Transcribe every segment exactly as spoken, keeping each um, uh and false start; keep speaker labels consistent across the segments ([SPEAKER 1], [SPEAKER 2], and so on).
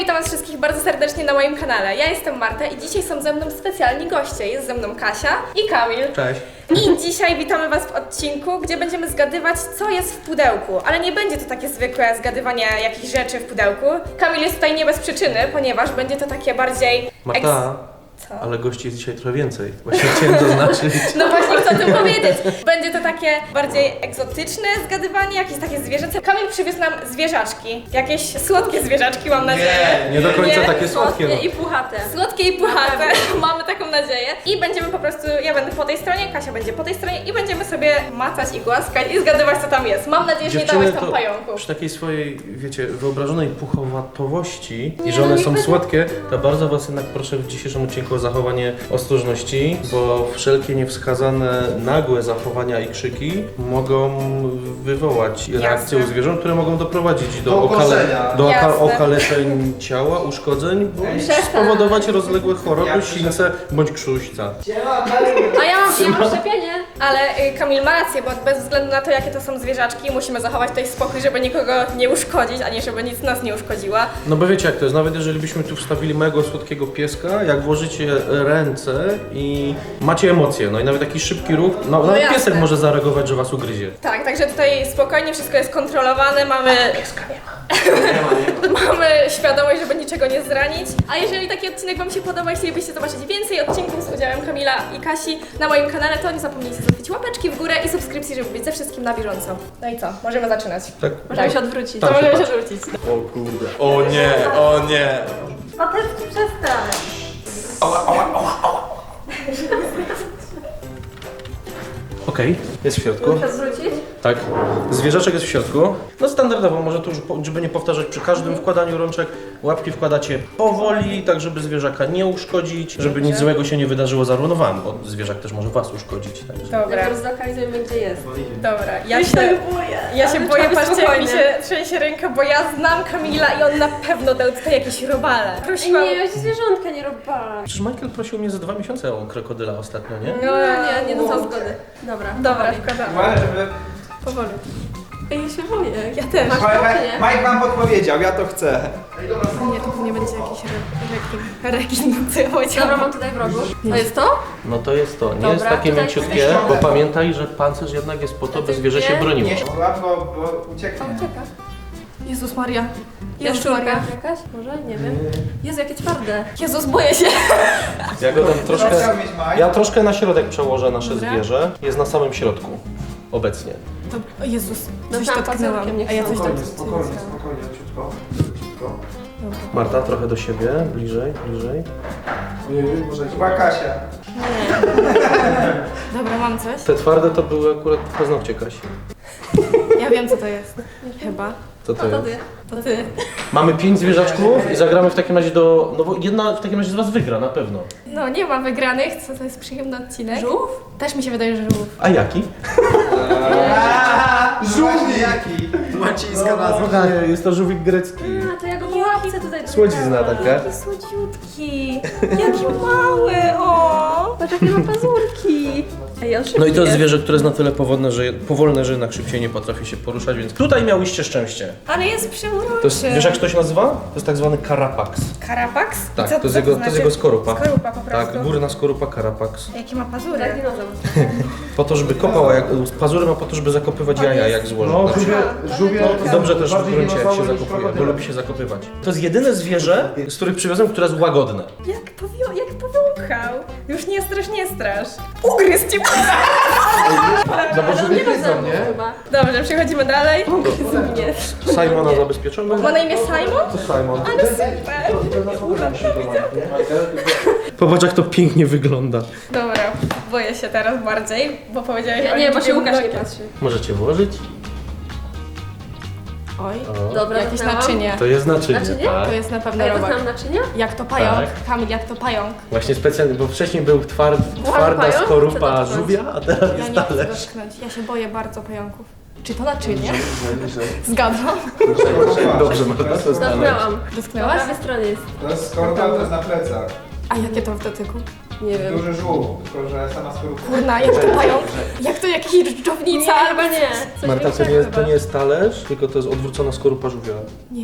[SPEAKER 1] witam was wszystkich bardzo serdecznie na moim kanale. Ja jestem Marta i dzisiaj są ze mną specjalni goście. Jest ze mną Kasia i Kamil.
[SPEAKER 2] Cześć.
[SPEAKER 1] I dzisiaj witamy was w odcinku, gdzie będziemy zgadywać, co jest w pudełku. Ale nie będzie to takie zwykłe zgadywanie jakichś rzeczy w pudełku. Kamil jest tutaj nie bez przyczyny, ponieważ będzie to takie bardziej...
[SPEAKER 2] Marta,
[SPEAKER 1] Co?
[SPEAKER 2] ale gości jest dzisiaj trochę więcej. Właśnie chciałem zaznaczyć.
[SPEAKER 1] No właśnie chcę o tym powiedzieć. Będzie to takie bardziej egzotyczne zgadywanie, jakieś takie zwierzęce. Kamil przywiózł nam zwierzaczki. Jakieś słodkie zwierzaczki, mam nadzieję.
[SPEAKER 2] Nie, nie do końca
[SPEAKER 1] Nie?
[SPEAKER 2] takie słodkie. No.
[SPEAKER 3] i puchate.
[SPEAKER 1] Słodkie i puchate, mamy taką nadzieję. I będziemy po prostu, ja będę po tej stronie, Kasia będzie po tej stronie i będziemy sobie macać i głaskać i zgadywać, co tam jest. Mam nadzieję, że nie dałeś tam
[SPEAKER 2] to
[SPEAKER 1] pająków.
[SPEAKER 2] przy takiej swojej, wiecie, wyobrażonej puchowatowości i że
[SPEAKER 3] no
[SPEAKER 2] one
[SPEAKER 3] nie
[SPEAKER 2] są
[SPEAKER 3] będzie-
[SPEAKER 2] słodkie, to bardzo was jednak proszę w dzisiejszym odcinku o zachowanie ostrożności, bo wszelkie niewskazane, nagłe zachowania i krzyki mogą wywołać reakcje u zwierząt, które mogą doprowadzić do,
[SPEAKER 4] Do
[SPEAKER 2] okale,
[SPEAKER 4] ukoszenia.
[SPEAKER 2] do oka,
[SPEAKER 1] Jasne.
[SPEAKER 2] okaleczeń ciała, uszkodzeń, bądź
[SPEAKER 3] Przestań.
[SPEAKER 2] spowodować rozległe choroby,
[SPEAKER 4] Jak
[SPEAKER 2] sińce bądź krztuśca.
[SPEAKER 3] A ja mam, ja mam szczepienie.
[SPEAKER 1] Ale y, Kamil ma rację, bo bez względu na to, jakie to są zwierzaczki, musimy zachować tutaj spokój, żeby nikogo nie uszkodzić, ani żeby nic nas nie uszkodziła.
[SPEAKER 2] No bo wiecie jak to jest, nawet jeżeli byśmy tu wstawili małego słodkiego pieska, jak włożycie ręce i macie emocje, no i nawet taki szybki ruch, no, nawet
[SPEAKER 1] jasne.
[SPEAKER 2] piesek może zareagować, że was ugryzie.
[SPEAKER 1] Tak, także tutaj spokojnie wszystko jest kontrolowane, mamy... Mamy świadomość, żeby niczego nie zranić. A jeżeli taki odcinek wam się podoba i chcielibyście zobaczyć więcej odcinków z udziałem Kamila i Kasi na moim kanale, to nie zapomnijcie zostawić łapeczki w górę i subskrypcji, żeby być ze wszystkim na bieżąco. No i co? Możemy zaczynać.
[SPEAKER 2] Tak?
[SPEAKER 3] Możemy się odwrócić.
[SPEAKER 1] To
[SPEAKER 2] Tak się
[SPEAKER 1] możemy się
[SPEAKER 2] patrz.
[SPEAKER 1] odwrócić.
[SPEAKER 2] O kurde. O nie, o nie.
[SPEAKER 3] Patecki, przestań.
[SPEAKER 2] Okej, jest w środku.
[SPEAKER 3] Chcesz zwrócić?
[SPEAKER 2] Tak. Zwierzaczek jest w środku. No standardowo, może tu już, po- żeby nie powtarzać, przy każdym wkładaniu rączek łapki wkładacie powoli, tak żeby zwierzaka nie uszkodzić, żeby nic złego się nie wydarzyło zarówno wam, bo zwierzak też może was uszkodzić. Także.
[SPEAKER 1] Dobra,
[SPEAKER 3] Najpierw zlokalizujemy, gdzie jest.
[SPEAKER 1] dobra. Ja
[SPEAKER 3] Ja
[SPEAKER 1] się,
[SPEAKER 3] się boję.
[SPEAKER 1] ja się
[SPEAKER 3] Ale
[SPEAKER 1] boję,
[SPEAKER 3] trzeba być
[SPEAKER 1] patrzcie jak mi
[SPEAKER 3] spokojnym.
[SPEAKER 1] się trzęsie ręka, bo ja znam Kamila i on na pewno dał tutaj jakieś robale.
[SPEAKER 3] Ej,
[SPEAKER 1] Prosiłam...
[SPEAKER 3] nie, ja się zwierzątka nie robiłam.
[SPEAKER 2] Przecież Michael prosił mnie za dwa miesiące o krokodyla ostatnio, nie?
[SPEAKER 1] No,
[SPEAKER 3] Nie, nie, nie dostał zgody. Dobra,
[SPEAKER 1] Dobra,
[SPEAKER 3] powoli.
[SPEAKER 1] wkładamy.
[SPEAKER 4] Uważaj, żeby...
[SPEAKER 1] Powoli.
[SPEAKER 3] Ej, ja się boję.
[SPEAKER 1] Ja też.
[SPEAKER 3] Masz
[SPEAKER 4] Mike,
[SPEAKER 3] to, czy nie?
[SPEAKER 4] Mike wam podpowiedział, ja to chcę.
[SPEAKER 1] Nie, to nie będzie jakiś re- rekin. Rekin, co ja powiedziałam.
[SPEAKER 3] Dobra, mam tutaj w rogu. To jest to?
[SPEAKER 2] No to jest to. Nie
[SPEAKER 3] Dobra,
[SPEAKER 2] jest takie
[SPEAKER 3] tutaj
[SPEAKER 2] mięciutkie,
[SPEAKER 4] jest
[SPEAKER 2] bo
[SPEAKER 4] środek.
[SPEAKER 2] pamiętaj, że pancerz jednak jest po to, by zwierzę się
[SPEAKER 3] Nie.
[SPEAKER 2] broniło.
[SPEAKER 4] Nie, łatwo, bo ucieknie.
[SPEAKER 3] Ucieka.
[SPEAKER 1] Jezus Maria. Jezus
[SPEAKER 3] Jaszczurka
[SPEAKER 1] Maria.
[SPEAKER 3] jakaś? Może? Nie wiem. Jezu, jakie twarde.
[SPEAKER 1] Jezus, boję się.
[SPEAKER 2] Ja go tam
[SPEAKER 4] Co
[SPEAKER 2] troszkę.
[SPEAKER 4] chciał mieć Mike?
[SPEAKER 2] Ja troszkę na środek przełożę nasze
[SPEAKER 1] Dobra.
[SPEAKER 2] zwierzę. Jest na samym środku. Obecnie.
[SPEAKER 1] To, o Jezus, coś
[SPEAKER 3] Dostałam
[SPEAKER 1] dotknęłam.
[SPEAKER 3] pazurkiem, nie
[SPEAKER 1] A ja coś
[SPEAKER 4] Spokojnie,
[SPEAKER 1] dotknęłam.
[SPEAKER 4] spokojnie, spokojnie, ciutko. Ciutko.
[SPEAKER 2] Marta, trochę do siebie. Bliżej, bliżej.
[SPEAKER 4] Chyba Kasia.
[SPEAKER 1] Dobra, mam coś.
[SPEAKER 2] Te twarde to były akurat paznokcie Kasi.
[SPEAKER 1] Ja wiem, co to jest. Chyba.
[SPEAKER 2] Co to
[SPEAKER 3] No to
[SPEAKER 2] jest?
[SPEAKER 3] ty.
[SPEAKER 1] To ty.
[SPEAKER 2] Mamy pięć zwierzaczków i zagramy w takim razie do... No bo jedna w takim razie z was wygra, na pewno.
[SPEAKER 1] No, nie ma wygranych. Co to jest przyjemny odcinek?
[SPEAKER 3] Żółw?
[SPEAKER 1] Też mi się wydaje, że żółw.
[SPEAKER 2] A jaki?
[SPEAKER 4] Żółwie jaki? Łacińska nazwa.
[SPEAKER 2] Nie, jest to żółwik grecki.
[SPEAKER 3] A, to ja go po łapce tutaj
[SPEAKER 2] Słodzizna taka.
[SPEAKER 1] Jaki słodziutki. Jaki mały, o.
[SPEAKER 3] Patrz, jakie ma pazurki. Ej, on szybki
[SPEAKER 2] No i to jest
[SPEAKER 3] jest.
[SPEAKER 2] zwierzę, które jest na tyle powolne, że, powolne, że jednak szybciej nie potrafi się poruszać, więc tutaj miałyście szczęście.
[SPEAKER 1] Ale jest przeuroczy.
[SPEAKER 2] To jest, wiesz jak to się nazywa? To jest tak zwany karapax.
[SPEAKER 1] Karapax? I
[SPEAKER 2] Tak,
[SPEAKER 1] co,
[SPEAKER 2] to jest
[SPEAKER 1] co
[SPEAKER 2] jego, to
[SPEAKER 1] znaczy?
[SPEAKER 2] jest jego skorupa.
[SPEAKER 1] Skorupa po prostu.
[SPEAKER 2] Tak, górna skorupa karapax.
[SPEAKER 1] Jakie ma pazury.
[SPEAKER 3] Tak, dinozaur.
[SPEAKER 2] Po to, żeby kopał, jak, pazury ma po to, żeby zakopywać jaja, jak złoży.
[SPEAKER 4] No,
[SPEAKER 2] na przykład.
[SPEAKER 4] żółwie, żółwie
[SPEAKER 2] I dobrze też w
[SPEAKER 4] bardziej
[SPEAKER 2] gruncie, jak się
[SPEAKER 4] dinozaury niż
[SPEAKER 2] zakopuje, bo
[SPEAKER 4] krokodyl.
[SPEAKER 2] lubi się zakopywać. To jest jedyne zwierzę, z których przywiozłem, które jest łagodne.
[SPEAKER 1] Jak, powio- jak powąchał. Już nie strasz, nie strasz. Ugryzł cię.
[SPEAKER 4] No bo żółwie wiedzą, nie?
[SPEAKER 3] Chyba.
[SPEAKER 1] Dobrze, przechodzimy dalej.
[SPEAKER 3] Nie.
[SPEAKER 2] Simona zabezpieczony.
[SPEAKER 1] Ma na imię Simon?
[SPEAKER 2] To Simon.
[SPEAKER 1] Ale super.
[SPEAKER 2] Popatrz jak to pięknie wygląda.
[SPEAKER 1] Dobra, boję się teraz bardziej, bo powiedziałeś
[SPEAKER 3] Ja
[SPEAKER 1] o
[SPEAKER 3] nie, bo się
[SPEAKER 1] liczbie
[SPEAKER 3] Łukasz nie
[SPEAKER 1] mnogiej.
[SPEAKER 3] patrzy.
[SPEAKER 2] Możecie włożyć.
[SPEAKER 1] Oj,
[SPEAKER 2] O.
[SPEAKER 3] Dobra,
[SPEAKER 1] jakieś
[SPEAKER 3] zamknęłam.
[SPEAKER 1] naczynie.
[SPEAKER 2] To jest naczynie,
[SPEAKER 3] Naczynie?
[SPEAKER 2] tak.
[SPEAKER 1] To jest na
[SPEAKER 3] A
[SPEAKER 1] pewno
[SPEAKER 3] ja
[SPEAKER 1] robak.
[SPEAKER 3] dostałam naczynia?
[SPEAKER 1] Jak to pająk?
[SPEAKER 2] Tak.
[SPEAKER 1] Kamil, jak to pająk?
[SPEAKER 2] Właśnie specjalnie, bo wcześniej był tward, twarda
[SPEAKER 3] pająk? Co
[SPEAKER 2] skorupa
[SPEAKER 3] to
[SPEAKER 2] żółwia, a teraz
[SPEAKER 1] Ja
[SPEAKER 2] jest
[SPEAKER 1] nie chcę
[SPEAKER 2] talerz.
[SPEAKER 1] dotknąć. Ja się boję bardzo pająków. Czy to naczynie? Zgadzam.
[SPEAKER 2] Dobrze, Marta, to jest talerz.
[SPEAKER 3] Dotknęłam. Po
[SPEAKER 1] Dotknęłaś?
[SPEAKER 3] prawej stronie jest.
[SPEAKER 4] To jest skorupa, to jest na plecach.
[SPEAKER 1] A jakie to w dotyku?
[SPEAKER 3] Nie wiem.
[SPEAKER 4] Duży żółw, tylko że sama skorupa.
[SPEAKER 1] Kurna, jak to pająk? Jak to jakiś dżdżownica?
[SPEAKER 3] Nie, chyba nie. Coś
[SPEAKER 2] Marta, to
[SPEAKER 3] większego
[SPEAKER 2] nie,
[SPEAKER 3] chyba.
[SPEAKER 2] to nie jest talerz, tylko to jest odwrócona skorupa żółwia.
[SPEAKER 1] Nie.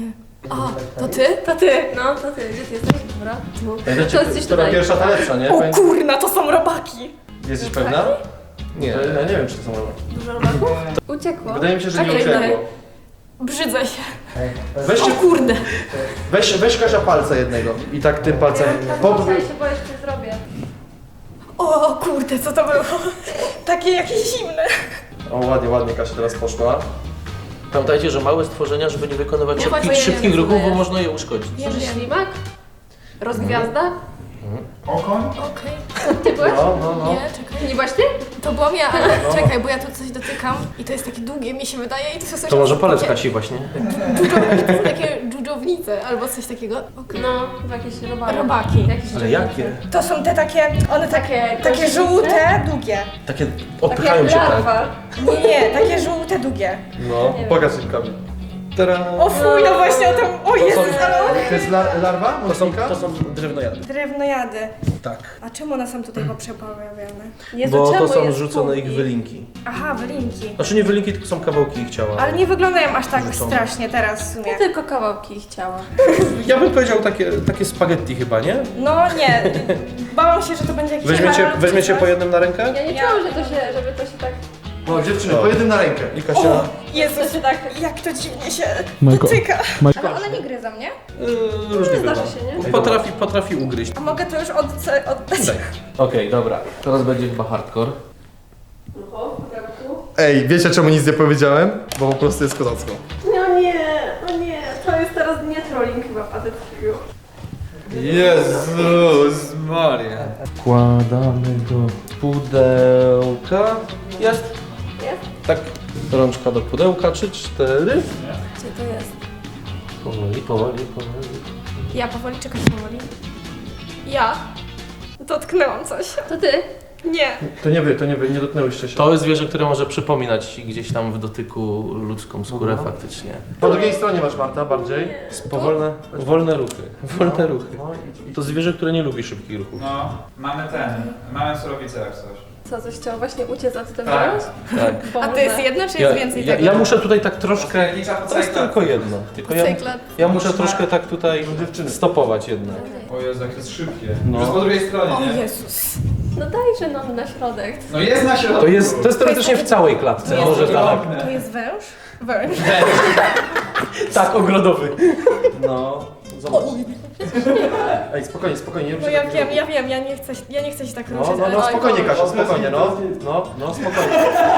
[SPEAKER 1] O, to ty?
[SPEAKER 3] To ty, no, to ty. Gdzie ty jesteś? Dobra. Tu.
[SPEAKER 2] Pamiętacie,
[SPEAKER 3] To jest gdzieś
[SPEAKER 2] która
[SPEAKER 3] tutaj.
[SPEAKER 2] pierwsza ta lepsza, nie?
[SPEAKER 1] O
[SPEAKER 2] Pamię-
[SPEAKER 1] kurna, to są robaki.
[SPEAKER 2] Jesteś pewna? Nie, ja nie wiem, czy to są robaki.
[SPEAKER 3] Dużo robaków? Uciekło.
[SPEAKER 2] Wydaje mi się, że nie
[SPEAKER 1] Czekaj,
[SPEAKER 2] uciekło.
[SPEAKER 1] Brzydzę się.
[SPEAKER 2] Weźcie,
[SPEAKER 1] O kurde.
[SPEAKER 2] weź, weź Kasia palca jednego i tak tym palcem...
[SPEAKER 3] Ja
[SPEAKER 2] Pod...
[SPEAKER 3] się boję, że zrobię.
[SPEAKER 1] O kurde, co to było? Takie jakieś zimne.
[SPEAKER 2] O, ładnie, ładnie Kasia teraz poszła. Pamiętajcie, że małe stworzenia, żeby nie wykonywać
[SPEAKER 1] Ja
[SPEAKER 2] szybkich,
[SPEAKER 1] właśnie nie
[SPEAKER 2] szybkich
[SPEAKER 1] wiem,
[SPEAKER 2] ruchów,
[SPEAKER 1] co to
[SPEAKER 2] bo
[SPEAKER 1] jest.
[SPEAKER 2] można je uszkodzić.
[SPEAKER 3] Może ślimak? Rozgwiazda?
[SPEAKER 4] Okoń?
[SPEAKER 1] Okej.
[SPEAKER 3] Ty byłeś?
[SPEAKER 2] No, no, no.
[SPEAKER 1] Nie, czekaj.
[SPEAKER 3] Nie byłaś ty?
[SPEAKER 1] To byłam ja, ale czekaj, bo ja tu coś dotykam i to jest takie długie, mi się wydaje i to są
[SPEAKER 2] To może palec
[SPEAKER 1] takie,
[SPEAKER 2] Kasi właśnie.
[SPEAKER 1] dżudżownice, to są takie dżudżownice albo coś takiego. Okej.
[SPEAKER 3] No, chyba jakieś robaki.
[SPEAKER 1] Robaki.
[SPEAKER 3] Jakieś
[SPEAKER 2] Ale
[SPEAKER 3] dżownice.
[SPEAKER 2] jakie?
[SPEAKER 1] To są te takie, one takie,
[SPEAKER 3] Takie
[SPEAKER 1] takie
[SPEAKER 3] kozice?
[SPEAKER 1] żółte, długie.
[SPEAKER 2] Takie
[SPEAKER 3] Tak
[SPEAKER 2] odpychają
[SPEAKER 3] jak
[SPEAKER 2] się tak.
[SPEAKER 3] larwa.
[SPEAKER 1] Nie, nie, takie żółte, długie.
[SPEAKER 2] No,
[SPEAKER 3] wiem.
[SPEAKER 2] pokaż rękami. Tara.
[SPEAKER 1] O fuj, no właśnie o tym, o Jezus, ale
[SPEAKER 4] To jest lar larwa?
[SPEAKER 2] To są,
[SPEAKER 4] Mocnika?
[SPEAKER 2] to są drewnojady.
[SPEAKER 1] Drewnojady.
[SPEAKER 2] Tak.
[SPEAKER 1] A czemu one są tutaj poprzepawiane?
[SPEAKER 3] Jezu,
[SPEAKER 2] Bo to
[SPEAKER 3] czemu
[SPEAKER 2] są
[SPEAKER 3] jest
[SPEAKER 2] rzucone ich
[SPEAKER 3] półki?
[SPEAKER 2] wylinki.
[SPEAKER 1] Aha, wylinki.
[SPEAKER 2] Znaczy nie wylinki, tylko są kawałki ich ciała.
[SPEAKER 1] Ale nie wyglądają aż tak
[SPEAKER 2] Rzucone.
[SPEAKER 1] strasznie teraz w sumie.
[SPEAKER 3] Ja tylko kawałki ich ciała.
[SPEAKER 2] Ja bym powiedział takie, takie spaghetti chyba, nie?
[SPEAKER 1] No nie, bałam się, że to będzie jakiś
[SPEAKER 2] Weźmiecie,
[SPEAKER 1] kebab czy
[SPEAKER 2] weźmiecie
[SPEAKER 1] coś.
[SPEAKER 2] po jednym na rękę?
[SPEAKER 3] Ja nie
[SPEAKER 1] Ja-
[SPEAKER 3] czułam, że to się, żeby to się tak...
[SPEAKER 4] O, dziewczyny, po jednym na rękę.
[SPEAKER 2] I Kasia...
[SPEAKER 1] O,
[SPEAKER 3] To
[SPEAKER 1] Jezus,
[SPEAKER 3] się tak...
[SPEAKER 1] jak to dziwnie się
[SPEAKER 5] Majko.
[SPEAKER 1] dotyka. Ale one nie gryzą, nie?
[SPEAKER 2] Yy, różnie
[SPEAKER 3] Zdarza
[SPEAKER 2] bywa.
[SPEAKER 3] się, nie?
[SPEAKER 2] Potrafi, potrafi ugryźć.
[SPEAKER 1] A mogę to już od, oddać?
[SPEAKER 2] Daj. Okej, dobra. Teraz będzie chyba hardcore.
[SPEAKER 3] Oho, tu.
[SPEAKER 4] Ej, wiecie czemu nic nie powiedziałem? Bo po prostu jest kozacko.
[SPEAKER 3] No nie, no nie, to jest teraz nie trolling chyba patetkiego.
[SPEAKER 4] Jezus Maria.
[SPEAKER 2] Wkładamy do pudełka. Jest?
[SPEAKER 3] Jest?
[SPEAKER 2] Tak. Rączka do pudełka, trzy, cztery.
[SPEAKER 1] Gdzie to jest?
[SPEAKER 2] Powoli, powoli, powoli.
[SPEAKER 1] Ja powoli, czekać powoli. Ja dotknęłam coś.
[SPEAKER 3] To ty?
[SPEAKER 1] Nie.
[SPEAKER 2] To nie wy, to nie wy, nie dotknęłyście się. To jest zwierzę, które może przypominać gdzieś tam w dotyku ludzką skórę faktycznie.
[SPEAKER 4] Po drugiej stronie masz, Marta, bardziej.
[SPEAKER 2] Powolne, wolne ruchy. Wolne ruchy. To zwierzę, które nie lubi szybkich ruchów.
[SPEAKER 6] No, mamy ten, mamy surowicę jak coś.
[SPEAKER 3] Co, coś chciał właśnie uciec, a ty to
[SPEAKER 6] Tak.
[SPEAKER 3] wziąłeś?
[SPEAKER 2] Tak.
[SPEAKER 1] A to jest jedno, czy
[SPEAKER 2] Ja,
[SPEAKER 1] jest więcej
[SPEAKER 2] ja,
[SPEAKER 1] tego?
[SPEAKER 2] ja muszę tutaj tak troszkę...
[SPEAKER 6] Kręgnicza po
[SPEAKER 2] To jest
[SPEAKER 6] całej
[SPEAKER 2] tylko
[SPEAKER 6] klatce.
[SPEAKER 2] jedno. Tylko ja,
[SPEAKER 1] Cyklat.
[SPEAKER 2] ja muszę troszkę tak tutaj stopować jednak.
[SPEAKER 6] O Jezu, jak jest szybkie.
[SPEAKER 2] No.
[SPEAKER 6] Już po drugiej stronie,
[SPEAKER 1] O
[SPEAKER 6] nie?
[SPEAKER 1] Jezus.
[SPEAKER 3] No dajże nam na środek.
[SPEAKER 6] No jest na środku.
[SPEAKER 2] To jest, to jest teoretycznie w całej klatce,
[SPEAKER 1] jest
[SPEAKER 2] może
[SPEAKER 1] taki
[SPEAKER 2] tak.
[SPEAKER 1] To jest węż? Węż.
[SPEAKER 2] Tak, ogrodowy. No, zobacz.
[SPEAKER 4] Ej, spokojnie, spokojnie, nie
[SPEAKER 1] No
[SPEAKER 4] ruszaj
[SPEAKER 1] ja
[SPEAKER 4] tak
[SPEAKER 1] wiem,
[SPEAKER 4] nie
[SPEAKER 1] ja wiem, ja nie chcę, ja nie chcę się tak
[SPEAKER 4] No,
[SPEAKER 1] ruszyć,
[SPEAKER 4] no,
[SPEAKER 1] ale...
[SPEAKER 4] no, spokojnie Kasia, spokojnie, no. No, no, spokojnie.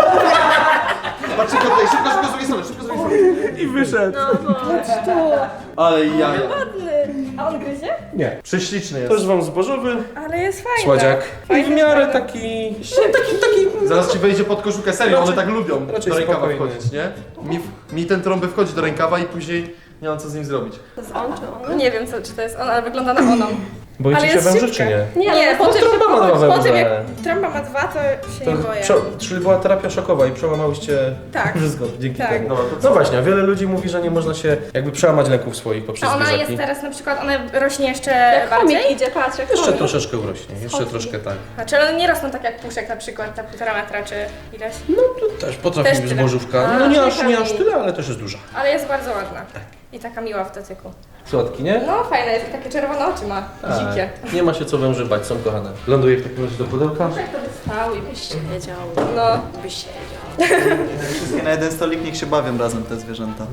[SPEAKER 4] Patrz szybko tutaj, szybko, szybko z drugiej strony, szybko z drugiej strony.
[SPEAKER 2] I wyszedł.
[SPEAKER 1] Patrz tu.
[SPEAKER 4] Ale jaja.
[SPEAKER 1] Ładny. A on gryzie?
[SPEAKER 2] Nie.
[SPEAKER 4] Prześliczny
[SPEAKER 2] To
[SPEAKER 4] jest.
[SPEAKER 2] jest wam zbożowy
[SPEAKER 1] Ale jest fajny.
[SPEAKER 2] słodziak. I w
[SPEAKER 1] Fajny,
[SPEAKER 2] miarę
[SPEAKER 1] fajny.
[SPEAKER 2] taki... Taki, taki...
[SPEAKER 4] Zaraz ci wejdzie pod koszulkę, serio, one
[SPEAKER 2] Raczej-
[SPEAKER 4] tak lubią
[SPEAKER 2] raczej
[SPEAKER 4] do rękawa
[SPEAKER 2] spokojny.
[SPEAKER 4] wchodzić, nie? Mi, mi ten trąby wchodzi do rękawa i później nie mam co z nim zrobić.
[SPEAKER 3] To jest on czy on?
[SPEAKER 1] Nie wiem, co, czy to jest on, ale wygląda na oną.
[SPEAKER 2] Boicie
[SPEAKER 1] Ale
[SPEAKER 2] się
[SPEAKER 1] jest
[SPEAKER 2] węży, czy
[SPEAKER 1] szybka.
[SPEAKER 2] nie?
[SPEAKER 3] Nie,
[SPEAKER 1] Nie,
[SPEAKER 3] no
[SPEAKER 1] po
[SPEAKER 3] po
[SPEAKER 1] tym,
[SPEAKER 2] trąba ma dwa
[SPEAKER 1] po tym jak
[SPEAKER 2] węże.
[SPEAKER 1] trąba ma dwa, to się
[SPEAKER 2] To,
[SPEAKER 1] nie boję.
[SPEAKER 2] prze, czyli była terapia szokowa i przełamałyście
[SPEAKER 1] Tak.
[SPEAKER 2] wszystko dzięki
[SPEAKER 1] Tak.
[SPEAKER 2] temu.
[SPEAKER 4] Dobra, to
[SPEAKER 2] No właśnie, a wiele ludzi mówi, że nie można się jakby przełamać lęków swoich poprzez
[SPEAKER 1] A ona
[SPEAKER 2] zwierzaki.
[SPEAKER 1] jest teraz na przykład, ona rośnie jeszcze
[SPEAKER 3] Jak
[SPEAKER 1] bardziej?
[SPEAKER 3] chomik idzie, patrz, jak
[SPEAKER 2] Jeszcze
[SPEAKER 3] chomik.
[SPEAKER 2] troszeczkę urośnie, jeszcze
[SPEAKER 3] Schodzi.
[SPEAKER 2] troszkę tak.
[SPEAKER 1] Znaczy one nie rosną tak jak puszek na przykład, ta półtora metra czy ileś.
[SPEAKER 2] No to też potrafi
[SPEAKER 1] Też
[SPEAKER 2] być
[SPEAKER 1] tyle.
[SPEAKER 2] zbożówka.
[SPEAKER 1] A,
[SPEAKER 2] No nie aż, nie
[SPEAKER 1] czekaj.
[SPEAKER 2] aż tyle, ale też jest duża.
[SPEAKER 1] Ale jest bardzo ładna. I taka miła w dotyku.
[SPEAKER 2] Słodki, nie?
[SPEAKER 1] No fajna jest, takie czerwone oczy ma. Dzikie.
[SPEAKER 2] Tak. Nie ma się co węży bać, są kochane. Ląduje w takim razie do pudełka.
[SPEAKER 3] Jak to by stał i byś siedział.
[SPEAKER 1] No.
[SPEAKER 3] Byś siedział.
[SPEAKER 7] Wszystkie na jeden stolik, niech się bawią razem te zwierzęta.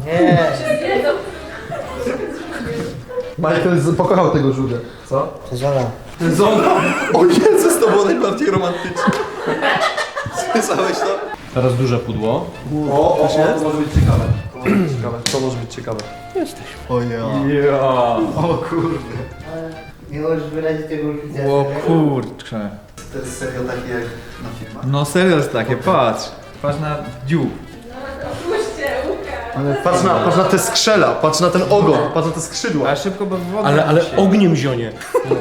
[SPEAKER 4] Michael z- pokochał tego żółwia. Co?
[SPEAKER 7] Zala.
[SPEAKER 4] Zona! O Jezus, to było najbardziej romantyczne. Słyszałeś to?
[SPEAKER 2] Teraz duże pudło.
[SPEAKER 4] O, o, o, to może być ciekawe. To może być ciekawe. To może być ciekawe.
[SPEAKER 7] O ja.
[SPEAKER 4] Ja. O kurde.
[SPEAKER 7] Nie możesz wyrazić tego uczucia.
[SPEAKER 8] O kurczę.
[SPEAKER 7] To jest serio takie jak na filmach.
[SPEAKER 8] No serio jest takie, patrz. Patrz na dziób.
[SPEAKER 4] Ale patrz na, patrz na te skrzela, patrz na ten ogon, patrz na te skrzydła.
[SPEAKER 8] Ale szybko, bo woda
[SPEAKER 2] Ale, ale
[SPEAKER 8] się-
[SPEAKER 2] ogniem zionie.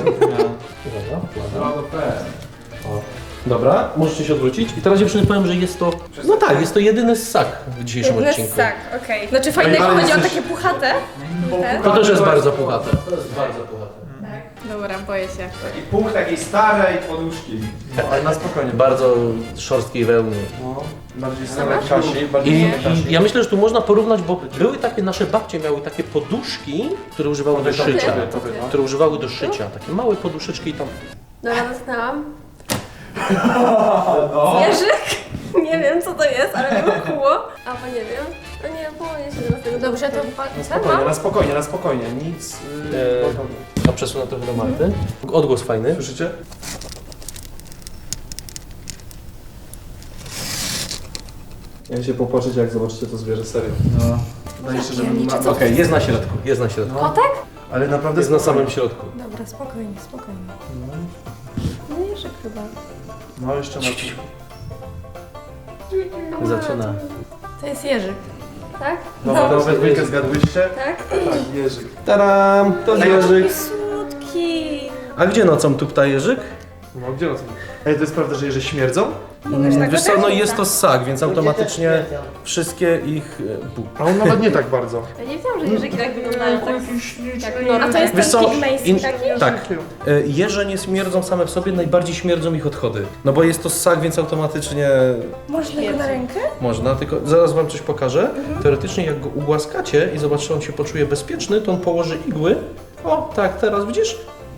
[SPEAKER 8] No.
[SPEAKER 2] Dobra, możecie się odwrócić. I teraz dziewczyny powiem, że jest to... No tak, jest to jedyny ssak w dzisiejszym
[SPEAKER 1] Jedyny
[SPEAKER 2] odcinku.
[SPEAKER 1] ssak, okej. Znaczy fajnego
[SPEAKER 4] ale
[SPEAKER 1] chodzi o
[SPEAKER 4] jesteś-
[SPEAKER 1] takie puchate. Te.
[SPEAKER 2] To też jest bardzo puchate. To jest bardzo puchate.
[SPEAKER 1] Dobra, boję się.
[SPEAKER 8] Taki punkt takiej starej poduszki.
[SPEAKER 4] No, ale na spokojnie.
[SPEAKER 2] Bardzo szorstkiej wełny.
[SPEAKER 4] No, bardziej stare Kasi, bardziej
[SPEAKER 2] I,
[SPEAKER 4] stare Kasi.
[SPEAKER 2] I ja myślę, że tu można porównać, bo były takie, nasze babcie miały takie poduszki, które używały do szycia.
[SPEAKER 3] to ty.
[SPEAKER 2] Które używały do szycia. Takie małe poduszeczki i tam...
[SPEAKER 3] Dobra, dotknęłam.
[SPEAKER 8] No.
[SPEAKER 3] Zwierzyk? Nie wiem co to jest, ale mnie kuło. A bo nie wiem. No nie, boję się teraz tego.
[SPEAKER 1] Dobrze, to
[SPEAKER 3] dotknąć.
[SPEAKER 1] pa-
[SPEAKER 4] Na
[SPEAKER 1] co
[SPEAKER 4] spokojnie,
[SPEAKER 1] mam?
[SPEAKER 4] na spokojnie, na spokojnie. Nic... Yy,
[SPEAKER 2] Eee. A przesunę trochę do Marty. Odgłos fajny.
[SPEAKER 4] Słyszycie? Ja się popłaczeć, jak zobaczycie to zwierzę, serio.
[SPEAKER 8] No.
[SPEAKER 4] Wydaje się, że bym
[SPEAKER 1] Piernicze,
[SPEAKER 4] ma...
[SPEAKER 1] co?
[SPEAKER 2] Okej, jest na środku, jest na środku.
[SPEAKER 1] Kotek?
[SPEAKER 4] Ale naprawdę
[SPEAKER 2] Jest na
[SPEAKER 4] spokojnie.
[SPEAKER 2] samym środku.
[SPEAKER 1] Dobra, spokojnie, spokojnie. No jeżyk chyba.
[SPEAKER 4] No jeszcze na...
[SPEAKER 2] Zaczyna.
[SPEAKER 1] To jest jeżyk. Tak?
[SPEAKER 4] No, no we dwójkę zgadłyście?
[SPEAKER 3] Tak?
[SPEAKER 4] Tak, Jerzyk.
[SPEAKER 2] Taram! To jeżyk.
[SPEAKER 1] Słodki.
[SPEAKER 2] A gdzie nocą tupta jeżyk?
[SPEAKER 4] No gdzie o tym? Ej, to jest prawda, że jeże śmierdzą?
[SPEAKER 2] Wiesz co, no jest to ssak, więc automatycznie wszystkie ich... e, bu.
[SPEAKER 4] A on nawet nie tak bardzo.
[SPEAKER 3] Ja nie wiedziałam, że jeżyki tak wyglądają. Tak jak
[SPEAKER 1] A
[SPEAKER 3] normy.
[SPEAKER 1] to jest
[SPEAKER 2] Wiesz
[SPEAKER 1] ten
[SPEAKER 2] co,
[SPEAKER 1] pigmejski
[SPEAKER 2] in-
[SPEAKER 1] taki?
[SPEAKER 2] tak, e, jeże nie śmierdzą same w sobie, najbardziej śmierdzą ich odchody. No bo jest to ssak, więc automatycznie
[SPEAKER 1] Można go na rękę?
[SPEAKER 2] można, tylko zaraz wam coś pokażę. Teoretycznie jak go ugłaskacie i zobaczycie, że on się poczuje bezpieczny, to on położy igły. O, tak, teraz widzisz?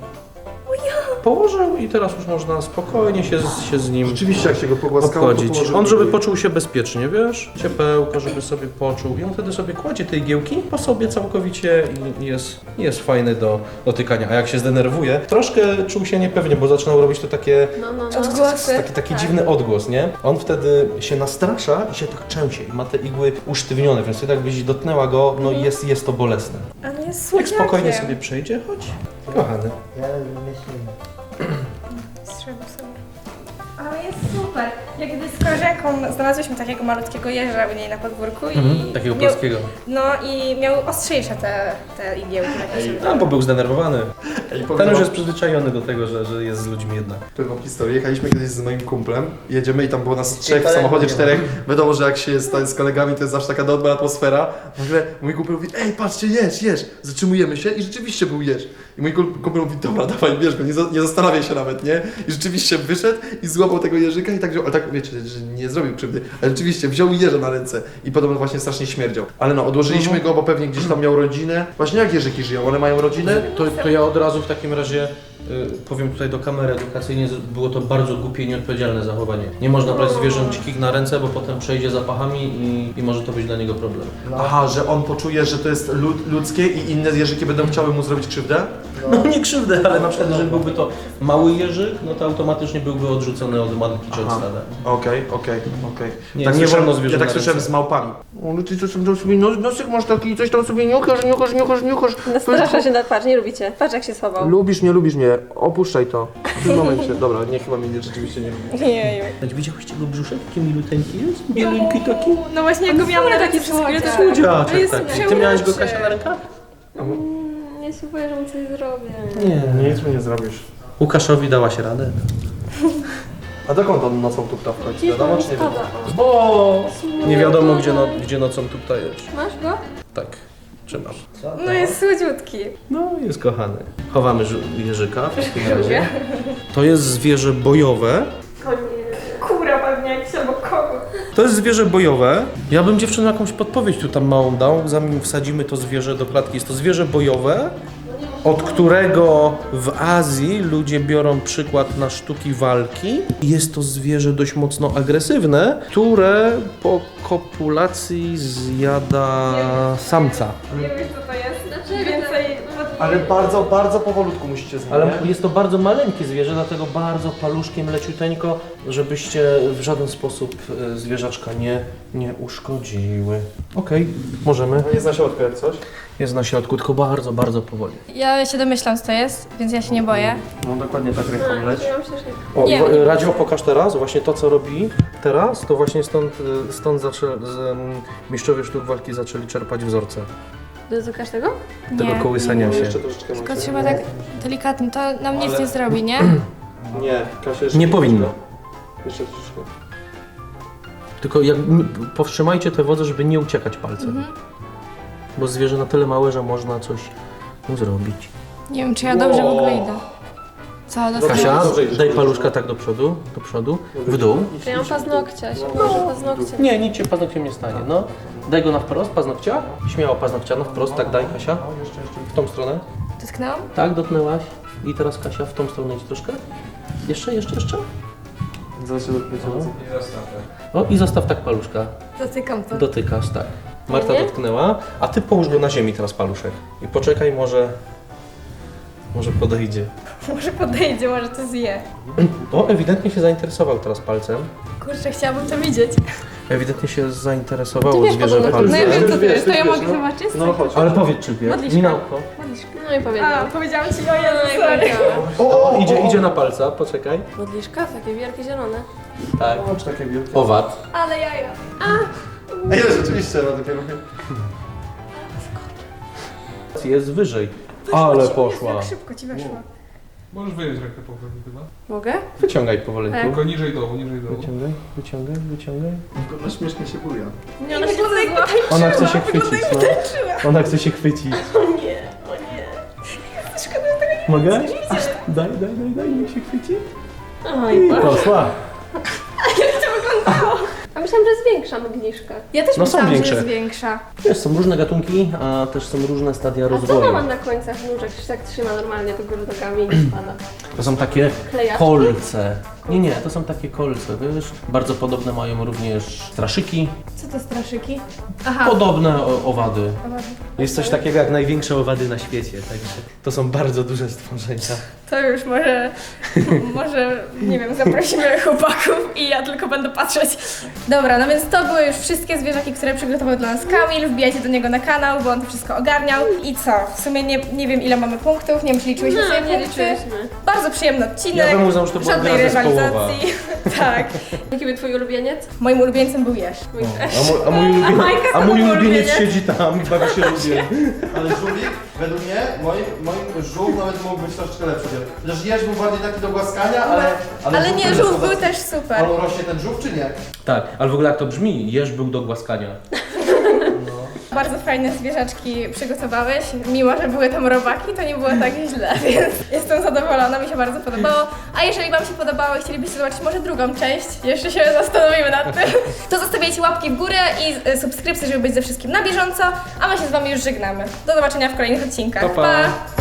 [SPEAKER 2] Położył i teraz już można spokojnie się, z- się z nim
[SPEAKER 4] Rzeczywiście, jak się go pogłaskało, to
[SPEAKER 2] obchodzić.
[SPEAKER 4] położył
[SPEAKER 2] On, żeby
[SPEAKER 4] igły.
[SPEAKER 2] poczuł się bezpiecznie, wiesz? Ciepełko, żeby sobie poczuł. I on wtedy sobie kładzie te igiełki po sobie całkowicie i jest, jest fajny do dotykania. A jak się zdenerwuje, troszkę czuł się niepewnie, bo zaczynał robić to takie,
[SPEAKER 3] No, no, no.
[SPEAKER 1] Odgłosy.
[SPEAKER 2] taki, taki dziwny odgłos, nie? On wtedy się nastrasza i się tak trzęsie i ma te igły usztywnione, więc wtedy jakbyś dotknęła go, no i jest, jest to bolesne.
[SPEAKER 1] Ale jest
[SPEAKER 2] Jak
[SPEAKER 1] słodziakiem.
[SPEAKER 2] spokojnie sobie przejdzie, chodź. Kochany.
[SPEAKER 7] Ja myślę.
[SPEAKER 1] Strzelił sobie. Ale jest super. Jak gdy z koleżanką znalazłyśmy takiego malutkiego jeża u niej na podwórku i...
[SPEAKER 2] Mhm, takiego
[SPEAKER 1] miał,
[SPEAKER 2] polskiego.
[SPEAKER 1] No i miał ostrzejsze te, te igiełki. takie.
[SPEAKER 2] No, bo był zdenerwowany.
[SPEAKER 4] Ej, powiem
[SPEAKER 2] Ten
[SPEAKER 4] wam-
[SPEAKER 2] już jest przyzwyczajony do tego, że, że jest z ludźmi jednak.
[SPEAKER 4] Powiem wam historię. Jechaliśmy kiedyś z moim kumplem, jedziemy i tam było nas trzech w
[SPEAKER 7] kolegów
[SPEAKER 4] samochodzie,
[SPEAKER 7] nie ma.
[SPEAKER 4] czterech. Wiadomo, że jak się jest z kolegami, to jest zawsze taka dobra atmosfera. Nagle mój kumpel mówi, ej, patrzcie, jeż, jeż. Zatrzymujemy się i rzeczywiście był jeż. I mój kum- kumpel mówi, dobra, dawaj, bierz go, nie, za, nie zastanawiaj się nawet, nie? I rzeczywiście wyszedł i złapał tego jeżyka i tak wziął, ale tak wiecie, że nie zrobił krzywdy, ale rzeczywiście wziął jeża na ręce i podobno właśnie strasznie śmierdział. Ale no, odłożyliśmy go, bo pewnie gdzieś tam miał rodzinę. Właśnie jak jeżyki żyją? One mają rodzinę?
[SPEAKER 2] To, to ja od razu w takim razie y, powiem tutaj do kamery edukacyjnej, że było to bardzo głupie i nieodpowiedzialne zachowanie. Nie można brać zwierząt dzikich na ręce, bo potem przejdzie zapachami i, i może to być dla niego problem.
[SPEAKER 4] Aha, że on poczuje, że to jest lud, ludzkie i inne jeżyki będą chciały mu zrobić krzywdę?
[SPEAKER 2] No nie krzywdę, ale na przykład jeżeli byłby to mały jeżyk, no to automatycznie byłby odrzucony od matki czy od
[SPEAKER 4] Aha.
[SPEAKER 2] stada.
[SPEAKER 4] Okej, okej, okej.
[SPEAKER 2] Nie,
[SPEAKER 4] Tak
[SPEAKER 2] nie
[SPEAKER 4] słyszałem-
[SPEAKER 2] wolno zwierząt
[SPEAKER 4] Ja tak
[SPEAKER 2] na
[SPEAKER 4] słyszałem
[SPEAKER 2] ręce.
[SPEAKER 4] z małpami. Ale ty coś tam sobie nos, nosek masz taki, coś tam sobie niuchasz, niuchasz, niuchasz, niuchasz.
[SPEAKER 3] Nastrasza się na patrz, nie lubicie. Patrz jak się schował.
[SPEAKER 4] Lubisz mnie, lubisz mnie. Opuszczaj to. W tym momencie. Dobra, nie, chyba mnie rzeczywiście nie lubi.
[SPEAKER 1] Jeju.
[SPEAKER 2] Widziałeś go brzuszek? Taki miluteńki jest? Bielinki taki?
[SPEAKER 1] No właśnie, jak go miałam na taki przez chwilę, to
[SPEAKER 2] Słodziaczek
[SPEAKER 1] To jest
[SPEAKER 2] taki. Ty miałeś go,
[SPEAKER 1] przełączy.
[SPEAKER 2] Kasia, na rękach?
[SPEAKER 3] Mm, ja się boję, że mu coś zrobię.
[SPEAKER 2] Nie.
[SPEAKER 4] Nic mi nie zrobisz.
[SPEAKER 2] Łukaszowi dałaś radę.
[SPEAKER 4] A dokąd on nocą tupta w końcu? Wiadomo czy nie wiadomo?
[SPEAKER 2] Bo nie wiadomo gdzie, no, gdzie nocą tutaj jest.
[SPEAKER 3] Masz go?
[SPEAKER 2] Tak, trzymam.
[SPEAKER 1] No jest słodziutki.
[SPEAKER 2] No, jest kochany. Chowamy ży- jeżyka w takim razie. To jest zwierzę bojowe.
[SPEAKER 1] Kura pewnie jakiś albo kogut.
[SPEAKER 2] To jest zwierzę bojowe. Ja bym dziewczynom jakąś podpowiedź tu tam małą dał, zanim wsadzimy to zwierzę do klatki. Jest to zwierzę bojowe, od którego w Azji ludzie biorą przykład na sztuki walki. Jest to zwierzę dość mocno agresywne, które po kopulacji zjada samca.
[SPEAKER 1] Nie wiesz co to jest?
[SPEAKER 3] Dlaczego?
[SPEAKER 1] Więcej...
[SPEAKER 4] Ale bardzo, bardzo powolutku musicie z nim,
[SPEAKER 2] Ale
[SPEAKER 4] nie?
[SPEAKER 2] jest to bardzo maleńkie zwierzę, dlatego bardzo paluszkiem, leciuteńko, żebyście w żaden sposób e, zwierzaczka nie, nie uszkodziły. Okej, możemy.
[SPEAKER 4] No jest na środku jak coś.
[SPEAKER 2] Jest na środku, tylko bardzo, bardzo powoli.
[SPEAKER 1] Ja się domyślam co to jest, więc ja się nie boję.
[SPEAKER 4] No dokładnie tak ręką leć.
[SPEAKER 3] Ja myślę, że...
[SPEAKER 2] O,
[SPEAKER 1] Nie,
[SPEAKER 2] wo-
[SPEAKER 1] nie
[SPEAKER 2] Radio pokaż teraz, właśnie to co robi teraz, to właśnie stąd, e, stąd zaczę, z, um, mistrzowie sztuk walki zaczęli czerpać wzorce
[SPEAKER 3] Dotykasz tego?
[SPEAKER 2] tego kołysania
[SPEAKER 4] No
[SPEAKER 2] się.
[SPEAKER 4] jeszcze troszeczkę
[SPEAKER 1] Tylko
[SPEAKER 4] macie.
[SPEAKER 1] trzeba tak delikatnie, to nam nic
[SPEAKER 4] Ale-
[SPEAKER 1] nie zrobi, nie?
[SPEAKER 4] Nie, Kasia jeszcze
[SPEAKER 2] Nie powinno.
[SPEAKER 4] Jeszcze troszeczkę.
[SPEAKER 2] Tylko jak, m- powstrzymajcie te wodze, żeby nie uciekać palcem. Bo zwierzę na tyle małe, że można coś mu zrobić.
[SPEAKER 1] Nie wiem, czy ja dobrze w ogóle idę. Co, dostałeś?
[SPEAKER 2] Kasia, daj paluszka tak do przodu, do przodu, w dół.
[SPEAKER 3] Ja mam paznokcia, się może paznokcie.
[SPEAKER 2] Nie, nic się paznokciem nie stanie, no. Daj go na wprost, paznokcia. Śmiało paznokcia, na wprost, tak daj Kasia. W tą stronę.
[SPEAKER 1] Dotknęłam?
[SPEAKER 2] Tak, dotknęłaś. I teraz Kasia w tą stronę idź troszkę. Jeszcze, jeszcze, jeszcze.
[SPEAKER 4] Zawsze do
[SPEAKER 6] I zostaw tak.
[SPEAKER 2] O i zostaw tak paluszka.
[SPEAKER 1] Dotykam to.
[SPEAKER 2] Dotykasz, tak. Marta
[SPEAKER 3] Nie?
[SPEAKER 2] dotknęła, a ty połóż go na ziemi teraz paluszek. I poczekaj, może... Może podejdzie.
[SPEAKER 1] Może podejdzie, może to zje.
[SPEAKER 2] O, ewidentnie się zainteresował teraz palcem.
[SPEAKER 1] Kurczę, chciałabym to widzieć.
[SPEAKER 2] Ewidentnie się zainteresowało
[SPEAKER 3] Ty wiesz,
[SPEAKER 2] zwierzę
[SPEAKER 3] podobno-
[SPEAKER 2] palcem.
[SPEAKER 1] No ja wiem, co to
[SPEAKER 4] wiesz,
[SPEAKER 1] jest, to
[SPEAKER 4] ty
[SPEAKER 1] ja
[SPEAKER 4] wiesz,
[SPEAKER 1] mogę
[SPEAKER 4] no.
[SPEAKER 1] zobaczyć?
[SPEAKER 4] No chodź.
[SPEAKER 2] Ale powiedz czy wie.
[SPEAKER 1] Modliszka.
[SPEAKER 2] Minałko.
[SPEAKER 1] Modliszka.
[SPEAKER 3] No i
[SPEAKER 1] A,
[SPEAKER 3] powiedziałam.
[SPEAKER 1] powiedziałam ci, o
[SPEAKER 3] No
[SPEAKER 1] Jezu,
[SPEAKER 3] i
[SPEAKER 1] sorry.
[SPEAKER 3] powiedziałam.
[SPEAKER 2] O, idzie, idzie na palca, poczekaj.
[SPEAKER 3] Modliszka? Takie wielkie zielone.
[SPEAKER 2] Tak.
[SPEAKER 4] Chodź takie wielkie.
[SPEAKER 2] Owad.
[SPEAKER 1] Ale jaja.
[SPEAKER 4] Ej, rzeczywiście ma takie ruchy.
[SPEAKER 2] Jest wyżej. Ale poszła.
[SPEAKER 1] Jak szybko ci weszło.
[SPEAKER 6] Możesz wyjąć rękę powoli chyba.
[SPEAKER 3] Mogę?
[SPEAKER 2] Wyciągaj powolutku.
[SPEAKER 6] Tylko niżej dołu, niżej dołu.
[SPEAKER 2] Wyciągaj, wyciągaj, wyciągaj.
[SPEAKER 4] Ona śmiesznie się buja.
[SPEAKER 3] Nie, ona się zła.
[SPEAKER 2] Ona chce się chwycić, no. Ona chce się chwycić.
[SPEAKER 3] O nie, o nie.
[SPEAKER 2] Mogę? Daj, daj, daj, daj, niech się chwyci.
[SPEAKER 3] Oj,
[SPEAKER 2] Poszła.
[SPEAKER 3] a myślałam, że jest większa modliszka.
[SPEAKER 1] Ja też
[SPEAKER 2] No są
[SPEAKER 1] myślałam, że
[SPEAKER 2] większe.
[SPEAKER 1] jest większa.
[SPEAKER 2] Wiesz, są różne gatunki, a też są różne stadia
[SPEAKER 3] A co
[SPEAKER 2] rozwoju.
[SPEAKER 3] ona ma na końcach nóżek? Się tak trzyma normalnie do góry nogami i nie spada.
[SPEAKER 2] To są takie
[SPEAKER 3] Klejaczki?
[SPEAKER 2] kolce. Nie, nie, to są takie kolce, wiesz. Bardzo podobne mają również straszyki.
[SPEAKER 1] Co to straszyki? Aha.
[SPEAKER 2] Podobne o- owady. Jest coś takiego jak największe owady na świecie, także to są bardzo duże stworzenia.
[SPEAKER 1] To już może, może, nie wiem, zaprosimy chłopaków i ja tylko będę patrzeć. Dobra, no więc to były już wszystkie zwierzaki, które przygotował dla nas Kamil. Wbijajcie do niego na kanał, bo on to wszystko ogarniał. I co? W sumie nie, nie wiem ile mamy punktów, nie wiem czy liczyłyśmy
[SPEAKER 3] No,
[SPEAKER 1] sobie
[SPEAKER 3] nie
[SPEAKER 1] punkty.
[SPEAKER 3] liczyłyśmy.
[SPEAKER 1] Bardzo przyjemny odcinek.
[SPEAKER 2] Ja bym uznał, że to była
[SPEAKER 1] Żadnej
[SPEAKER 2] gra zespołowa.
[SPEAKER 1] rywalizacji. Tak.
[SPEAKER 3] Jaki był twój ulubieniec?
[SPEAKER 1] Moim ulubieńcem był jeż.
[SPEAKER 3] Mój też.
[SPEAKER 2] A mój, a mój, ulubieniec,
[SPEAKER 1] Majka
[SPEAKER 2] a
[SPEAKER 1] to
[SPEAKER 2] mój
[SPEAKER 1] był
[SPEAKER 2] ulubieniec
[SPEAKER 1] ulubieniec.
[SPEAKER 2] siedzi tam i bawi się lubię.
[SPEAKER 4] Ale żółwik, według mnie, moim, moim żółw nawet mógł być troszeczkę lepszy. Chociaż jeż był bardziej taki do głaskania, ale...
[SPEAKER 1] Ale
[SPEAKER 4] żółw
[SPEAKER 1] nie,
[SPEAKER 4] też
[SPEAKER 1] żółw
[SPEAKER 4] był
[SPEAKER 1] był
[SPEAKER 4] taki-
[SPEAKER 1] też super.
[SPEAKER 4] Ale rośnie ten żółw czy nie?
[SPEAKER 2] Tak, ale w ogóle jak to brzmi, jeż był do głaskania.
[SPEAKER 1] Bardzo fajne zwierzaczki przygotowałeś. Mimo, że były tam robaki, to nie było tak źle, więc jestem zadowolona, mi się bardzo podobało. A jeżeli Wam się podobało i chcielibyście zobaczyć może drugą część, jeszcze się zastanowimy nad tym, to zostawiajcie łapki w górę i y, subskrypcje, żeby być ze wszystkim na bieżąco, a my się z Wami już żegnamy. Do zobaczenia w kolejnych odcinkach.
[SPEAKER 2] Pa, pa.
[SPEAKER 1] Pa!